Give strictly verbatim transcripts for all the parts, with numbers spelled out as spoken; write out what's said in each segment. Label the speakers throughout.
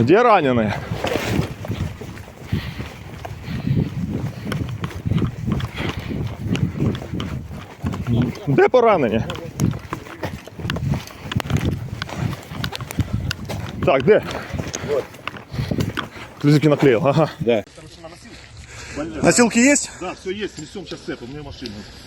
Speaker 1: Где раненые? Де поранені? Так, де?
Speaker 2: Вот.
Speaker 1: Ключики наклеил, ага.
Speaker 2: Да.
Speaker 1: Носилки есть?
Speaker 2: Да, все есть, несем сейчас это, у меня машина.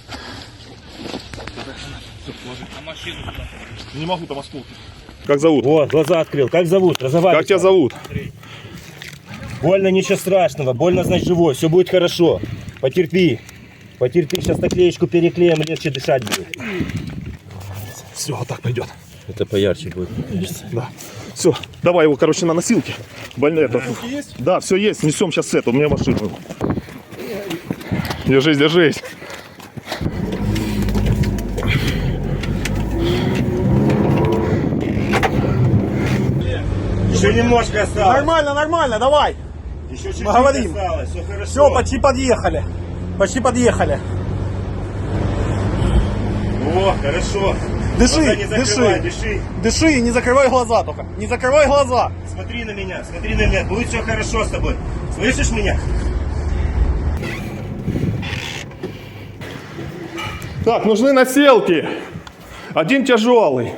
Speaker 3: А машину куда?
Speaker 2: Не могу, там осколки.
Speaker 1: Как зовут?
Speaker 4: Вот, глаза открыл. Как зовут? Разговаривай.
Speaker 1: Как тебя зовут?
Speaker 4: Больно, ничего страшного. Больно, значит, живой. Все будет хорошо. Потерпи. Потерпи. Сейчас наклеечку переклеим, легче дышать будет.
Speaker 1: Все, вот так пойдет.
Speaker 4: Это поярче будет.
Speaker 1: Да. Все, давай его, короче, на носилки. Больно это.
Speaker 2: Есть?
Speaker 1: Да, все есть. Несем сейчас это. У меня машина. Держись, держись.
Speaker 4: Еще немножко осталось.
Speaker 5: Нормально, нормально, давай.
Speaker 4: Еще чуть-чуть
Speaker 5: говорим.
Speaker 4: осталось. Все хорошо.
Speaker 5: Все, почти подъехали. Почти подъехали.
Speaker 4: О, хорошо.
Speaker 5: Дыши,
Speaker 4: Глаза не закрывай,
Speaker 5: дыши.
Speaker 4: дыши.
Speaker 5: Дыши и не закрывай глаза только. Не закрывай глаза.
Speaker 4: Смотри на меня, смотри на меня. Будет все хорошо с тобой. Слышишь меня?
Speaker 1: Так, нужны носилки. Один тяжелый.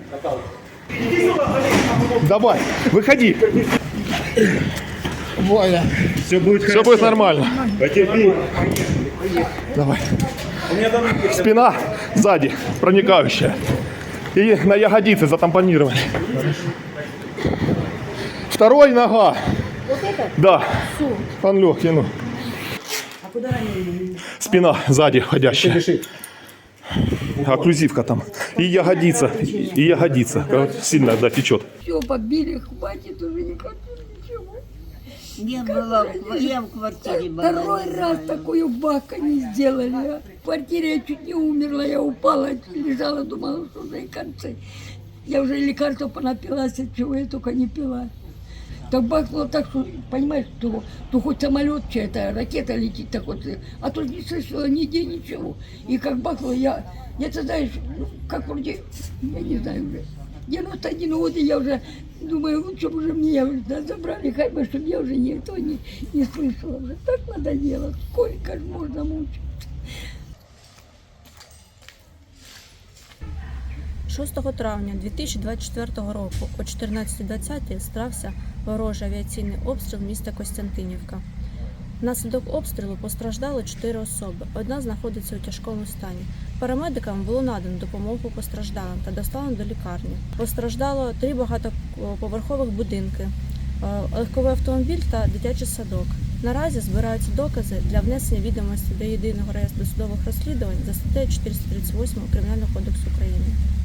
Speaker 1: Давай, выходи.
Speaker 4: Все будет
Speaker 1: Все
Speaker 4: хорошо.
Speaker 1: будет нормально.
Speaker 4: Потерпи.
Speaker 1: Давай. Спина сзади, проникающая. И на ягодицы затампонировали. Второй нога.
Speaker 6: Вот это?
Speaker 1: Да.
Speaker 6: Всё.
Speaker 1: Пан легкий, ну.
Speaker 6: А куда ранили?
Speaker 1: Спина сзади входящая. Окклюзивка там. И ягодица. И ягодица. Короче, сильно, да, течет.
Speaker 6: Все, побили, хватит уже, не хочу ничего.
Speaker 7: Не было, я в квартире была.
Speaker 6: Второй раз такую бака не сделали. А. В квартире я чуть не умерла, я упала, лежала, думала, что уже и концы. Я уже лекарства понапилась, от чего я только не пила. Так бахнуло так, что, понимаешь, то, то хоть самолет чья-то, ракета летит, так вот, а тут не слышала нигде ничего. И как бахнуло, я, я ты знаешь, ну, как вроде, я не знаю уже, девяносто один год, и я уже думаю, лучше бы уже меня уже да, забрали, хоть бы, чтобы я уже никто не, не слышала. Уже так надоело, сколько ж можно мучить.
Speaker 8: шостого травня дві тисячі двадцять четвертого року о чотирнадцятій двадцять стався ворожий авіаційний обстріл міста Костянтинівка. Внаслідок обстрілу постраждало чотири особи. Одна знаходиться у тяжкому стані. Парамедикам було надано допомогу постраждалим та доставлено до лікарні. Постраждало три багатоповерхових будинки, легковий автомобіль та дитячий садок. Наразі збираються докази для внесення відомостей до єдиного реєстру досудових розслідувань за статтею чотириста тридцять вісім Кримінального кодексу України.